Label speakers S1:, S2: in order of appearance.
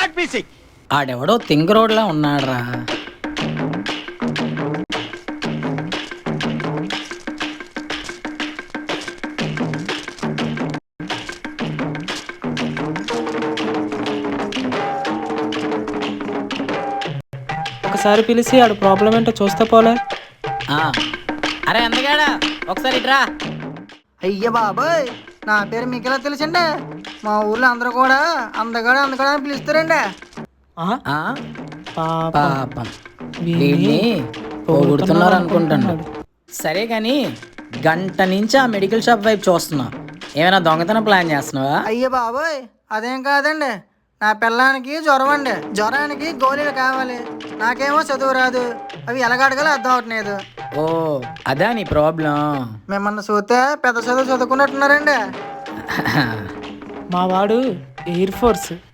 S1: Not missing.
S2: ఆడెవడో తింగ రోడ్లా ఉన్నాడ్రా.
S3: ఒకసారి పిలిచి ఆడు ప్రాబ్లం ఏంటో చూస్తే పోలే.
S2: ఆ, అరే అందగాడా ఒకసారి ఇట్రా.
S4: అయ్య బాబోయ్, నా పేరు మీకు ఎలా తెలుసండి? మా ఊర్లో అందరూ కూడా అందగాడు అందగాడు అని పిలుస్తారండి.
S2: ఆ,
S3: పాప
S2: పాపం వీడిని పోగొడుతున్నారు అనుకుంటాను. సరే కానీ గంట నుంచి ఆ మెడికల్ షాప్ వైపు చూస్తున్నా. ఏమైనా దొంగతనం ప్లాన్ చేస్తున్నావా?
S4: అయ్య బాబోయ్, అదేం కాదండి. నా పిల్లానికి జ్వరం అండి. జ్వరానికి గోళీలు కావాలి. నాకేమో చదువు రాదు, అవి ఎలాగడగాలో అర్థం అవట్లేదు.
S2: ఓ అదా నీ ప్రాబ్లం.
S4: మిమ్మల్ని చూస్తే పెద్ద చదువు చదువుకున్నట్టున్నారండి.
S3: మా వాడు ఎయిర్ ఫోర్స్